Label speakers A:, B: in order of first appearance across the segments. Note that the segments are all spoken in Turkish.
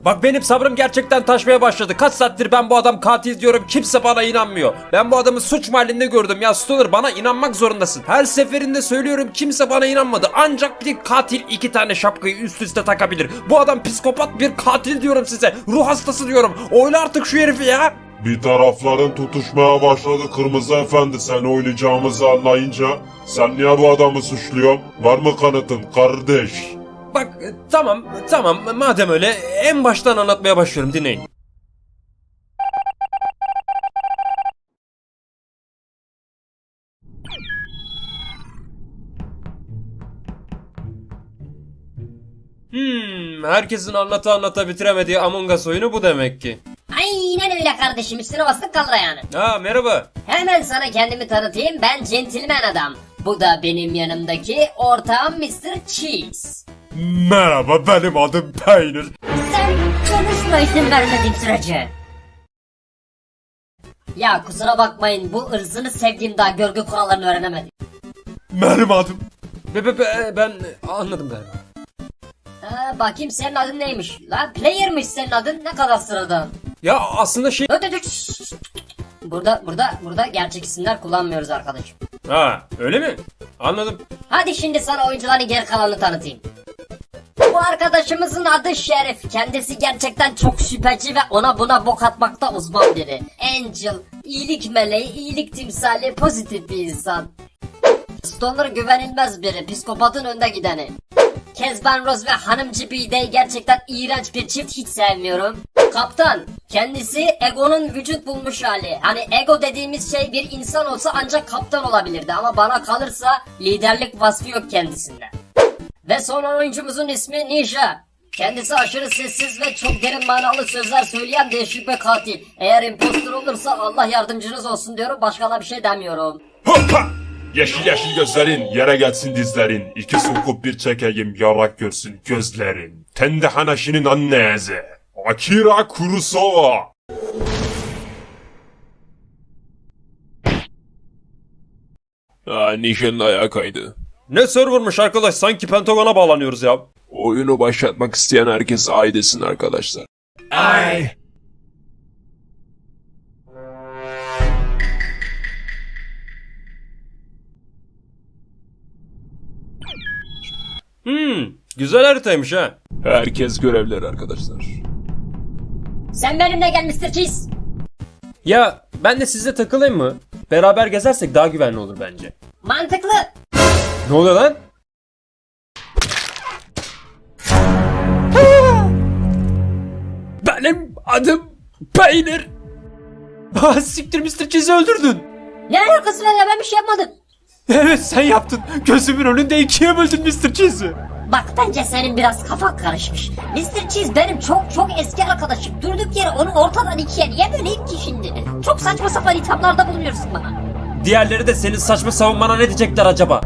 A: Bak benim sabrım gerçekten taşmaya başladı. Kaç saattir ben bu adam katil diyorum, kimse bana inanmıyor. Ben bu adamı suç mahallinde gördüm ya Stoner, bana inanmak zorundasın. Her seferinde söylüyorum, kimse bana inanmadı. Ancak bir katil iki tane şapkayı üst üste takabilir. Bu adam psikopat bir katil diyorum size. Ruh hastası diyorum. Oyla artık şu herifi ya.
B: Bir tarafların tutuşmaya başladı Kırmızı Efendi, sen oynayacağımızı anlayınca. Sen niye bu adamı suçluyorsun? Var mı kanıtın kardeş?
A: Bak tamam madem öyle en baştan anlatmaya başlıyorum, dinleyin. Herkesin anlata bitiremediği Among Us oyunu bu demek ki.
C: Aynen öyle kardeşim, üstüne bastık kalır yani.
A: Ha merhaba.
C: Hemen sana kendimi tanıtayım, ben centilmen adam. Bu da benim yanımdaki ortağım Mr. Cheese.
A: Merhaba, benim adım Peynir.
C: Sen konuşma izin vermediğim sürece. Ya kusura bakmayın, bu ırzını sevdiğim daha görgü kurallarını öğrenemedim.
A: Benim adım. Ben anladım galiba.
C: Bakayım senin adın neymiş? La player'mış senin adın, ne kadar sıradan.
A: Ya aslında şey...
C: Dur. Burada gerçek isimler kullanmıyoruz arkadaşım.
A: Ha öyle mi? Anladım.
C: Hadi şimdi sana oyuncuların geri kalanını tanıtayım. Bu arkadaşımızın adı Şerif. Kendisi gerçekten çok şüpheci ve ona buna bok atmakta uzman biri. Angel, iyilik meleği, iyilik timsali, pozitif bir insan. Stoner güvenilmez biri, psikopatın önde gideni. Kezban Rose ve Hanımcı Bidey gerçekten iğrenç bir çift, hiç sevmiyorum. Kaptan, kendisi Ego'nun vücut bulmuş hali. Hani Ego dediğimiz şey bir insan olsa ancak kaptan olabilirdi ama bana kalırsa liderlik vasfı yok kendisinde. Ve son oyuncumuzun ismi Ninja. Kendisi aşırı sessiz ve çok derin manalı sözler söyleyen değişik bir katil. Eğer impostor olursa Allah yardımcınız olsun diyorum, başka da bir şey demiyorum.
B: Hoppa! Yeşil yeşil gözlerin, yere gelsin dizlerin. İki sokup bir çekeyim, yarak görsün gözlerin. Tende Hanashi'nin annesi. Akira Kurosawa.
D: Nişanın ayağa kaydı.
A: Ne servermış arkadaş, sanki Pentagon'a bağlanıyoruz ya.
D: Oyunu başlatmak isteyen herkes ay desin arkadaşlar. Ay.
A: Güzel haritaymış ha.
D: Herkes görevler arkadaşlar.
C: Sen benimle gel Mr. Cheese.
A: Ya ben de sizle takılayım mı? Beraber gezersek daha güvenli olur bence.
C: Mantıklı.
A: Ne oluyor lan? Benim adım Peynir. Siktir, Mr. Cheese'i öldürdün.
C: Ne alakası var ya, ben bir şey yapmadım.
A: Evet sen yaptın. Gözümün önünde ikiye böldün Mr. Cheese'i.
C: Bak bence senin biraz kafan karışmış. Mr. Cheese benim çok eski arkadaşım. Durduk yere onu ortadan ikiye niye böleyim ki şimdi? Çok saçma sapan ithamlarda bulunuyorsun bana.
A: Diğerleri de senin saçma savunmana ne diyecekler acaba?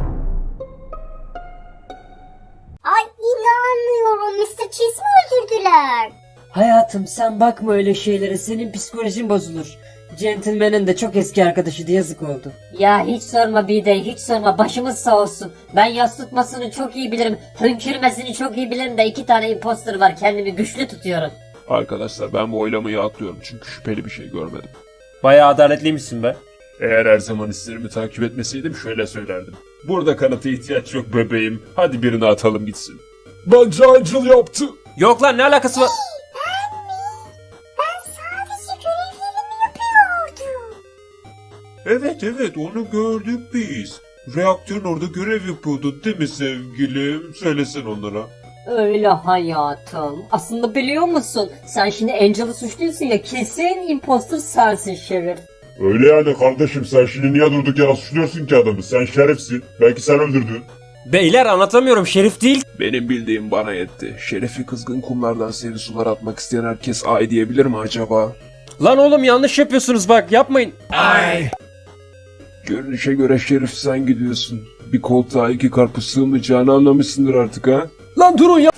E: Ay inanmıyorum, Mr. Cheese mi öldürdüler?
C: Hayatım sen bakma öyle şeylere, senin psikolojin bozulur. Gentleman'ın da çok eski arkadaşıydı, yazık oldu. Ya hiç sorma Bidey, hiç sorma, başımız sağ olsun. Ben yas tutmasını çok iyi bilirim, hönkürmesini çok iyi bilirim de iki tane imposter var, kendimi güçlü tutuyorum.
D: Arkadaşlar ben bu oylamayı atlıyorum çünkü şüpheli bir şey görmedim.
A: Bayağı adaletliymişsin be.
D: Eğer her zaman hislerimi takip etmeseydim şöyle söylerdim. Burada kanıta ihtiyaç yok bebeğim. Hadi birini atalım gitsin. Bence Angel yaptı.
A: Yok lan, ne alakası var?
E: Ben sadece görevlerimi yapıyordum.
D: Evet onu gördük biz. Reaktörün orada görev yapıyordun değil mi sevgilim? Söylesen onlara.
C: Öyle hayatım. Aslında biliyor musun? Sen şimdi Angel'ı suçluyorsun ya, kesin imposter sensin Şerif.
B: Öyle yani kardeşim, sen şimdi niye durduk yere suçluyorsun ki adamı? Sen şerefsin. Belki sen öldürdün.
A: Beyler anlatamıyorum, Şerif değil.
D: Benim bildiğim bana yetti. Şerefi kızgın kumlardan serin sular atmak isteyen herkes ay diyebilir mi acaba?
A: Lan oğlum yanlış yapıyorsunuz, bak yapmayın.
D: Ay. Görünüşe göre Şerif sen gidiyorsun. Bir koltuğa iki karpuz sığmayacağını anlamışsındır artık ha?
A: Lan durun ya.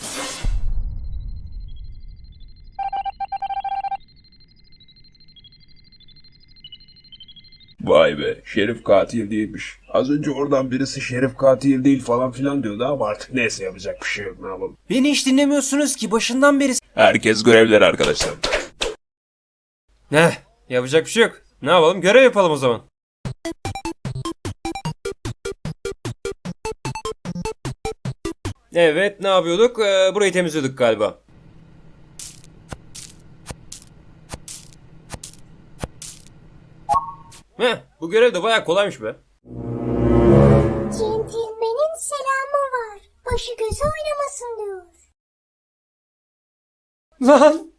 D: Vay be. Şerif katil değilmiş. Az önce oradan birisi Şerif katil değil falan filan diyordu ama artık neyse yapacak bir şey yok, ne yapalım.
A: Beni hiç dinlemiyorsunuz ki başından beri.
D: Herkes görevler arkadaşlar.
A: Ne? Yapacak bir şey yok. Ne yapalım? Görev yapalım o zaman. Evet, ne yapıyorduk? Burayı temizliyorduk galiba. Bu görev de bayağı kolaymış be.
E: Centilmenin selamı var. Başı gözü oynamasın diyor.
A: Lan!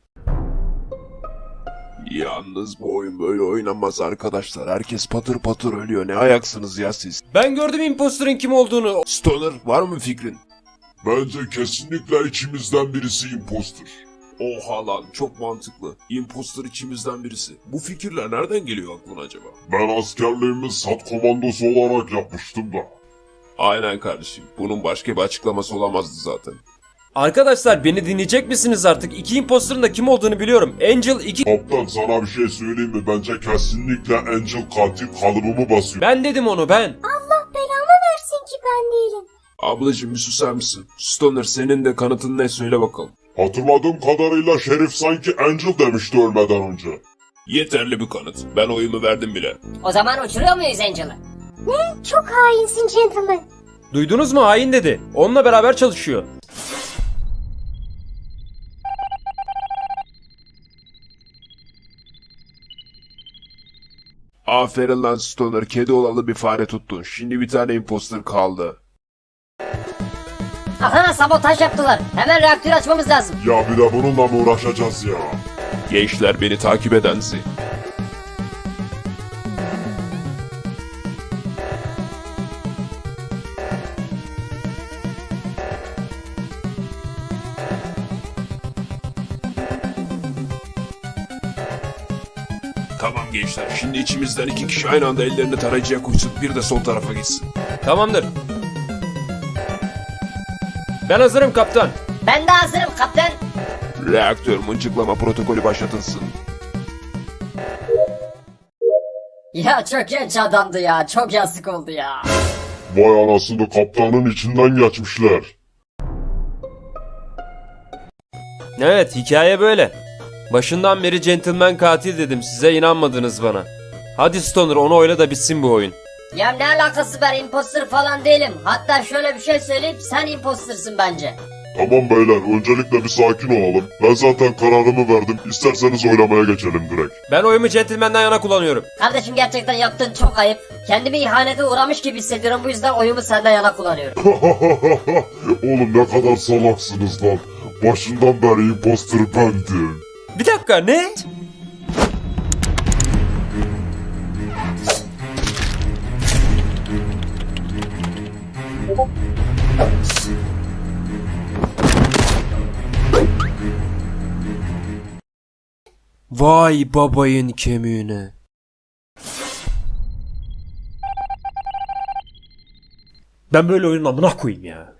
D: Yalnız bu oyun böyle oynanmaz arkadaşlar. Herkes patır patır ölüyor. Ne ayaksınız ya siz?
A: Ben gördüm imposterın kim olduğunu.
D: Stoner, var mı fikrin?
B: Bence kesinlikle içimizden birisi imposter.
D: Oha lan, çok mantıklı. Imposter içimizden birisi. Bu fikirler nereden geliyor aklına acaba?
B: Ben askerliğimi SAT komandosu olarak yapmıştım da.
D: Aynen kardeşim. Bunun başka bir açıklaması olamazdı zaten.
A: Arkadaşlar beni dinleyecek misiniz artık? İki imposterın da kim olduğunu biliyorum. Angel 2...
B: Kaptan sana bir şey söyleyeyim mi? Bence kesinlikle Angel katil kalıbımı basıyor.
A: Ben dedim onu, ben.
E: Allah belamı versin ki ben değilim.
D: Ablacım bir susar mısın? Stoner, senin de kanıtın ne, söyle bakalım.
B: Hatırladığım kadarıyla Şerif sanki Angel demişti ölmeden önce.
D: Yeterli bir kanıt. Ben oyumu verdim bile.
C: O zaman uçuruyor muyuz Angel'ı?
E: Ne? Çok hainsin gentleman.
A: Duydunuz mu? Hain dedi. Onunla beraber çalışıyor.
D: Aferin lan Stoner, kedi olalı bir fare tuttun. Şimdi bir tane imposter kaldı.
C: Aha, sabotaj yaptılar. Hemen reaktörü açmamız lazım.
B: Ya bir de bununla mı uğraşacağız ya?
D: Gençler, beni takip edensi. Tamam gençler, şimdi içimizden 2 kişi aynı anda ellerini tarayıcıya koysun, bir de sol tarafa gitsin.
A: Tamamdır. Ben hazırım kaptan.
C: Ben de hazırım kaptan.
D: Reaktör mıncıklama protokolü başlatılsın.
C: Ya çok genç adamdı ya. Çok yazık oldu ya.
B: Vay anasını, kaptanın içinden geçmişler.
A: Evet, hikaye böyle. Başından beri gentleman katil dedim, size inanmadınız bana. Hadi Stoner, onu oyla da bitsin bu oyun.
C: Ya ne alakası, ben imposter falan değilim. Hatta şöyle bir şey söyleyeyim, sen imposter'sın bence.
B: Tamam beyler, öncelikle bir sakin olalım. Ben zaten kararımı verdim. İsterseniz oylamaya geçelim direkt.
A: Ben oyumu gentleman'dan yana kullanıyorum.
C: Kardeşim gerçekten yaptığın çok ayıp. Kendimi ihanete uğramış gibi hissediyorum, bu yüzden oyumu senden yana kullanıyorum.
B: Oğlum ne kadar salaksınız lan. Başından beri imposter bendim.
A: Bir dakika, ne? Vay babayın kemiğine. Ben böyle oyunun amına koyayım ya.